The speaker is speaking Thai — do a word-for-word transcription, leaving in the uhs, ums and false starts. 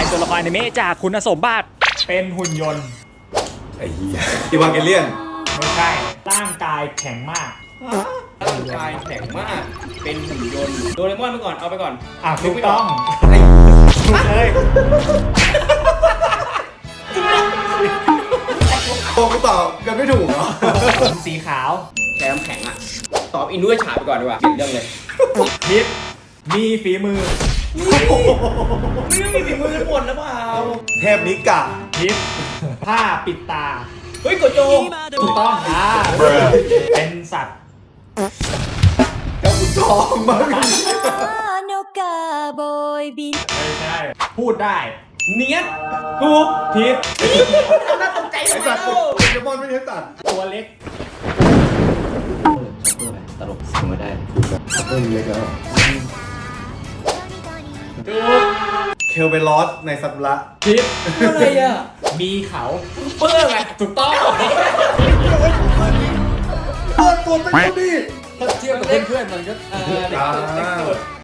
เป็นตัวละครอนิเมะจากคุณสมบัติเป็นหุ่นยนต์ไอ้เหี้ยอีวานเกเลียนไม่ใช่ร่างกายแข็งมากร่างกายแข็งมากเป็นหุ่นยนต์โดเรมอนไปก่อนเอาไปก่อนอ่ะถูกต้องไอ้ถูกเลยโตกูตอบกันไม่ถูกเหรอสีขาวแช่น้ำแข็งอ่ะตอบอินด้วยฉาไปก่อนดีกว่าเปลี่ยนเรื่องเลยพิษมีฝีมือไม่ต้องมีฝีมือกันหมดแล้วเปล่าเทพนิกะพิษผ้าปิดตาเฮ้ยโกโจถูกต้องอ่าเป็นสัตว์เจ้าขุนทองมั้งのカーボーイビルไม่ใช่ พูดได้เนียดถูกพิษน่าตกใจไอ้ทำไมสัตว์เล่าโปเกมอนไม่ใช่สัตว์ตัวเล็กตลกทำไม่ได้เริ่มเล็กแล้วถูกเคลเบลอสในสัตว์ละพิษอะไรอ่ะมีเขาเปิ้ลไงถูกต้องเปิดตัวเป็นคนดีถ้าเทียบกับเพื่อนๆมันก็เออเด็กสุดเด็กสุด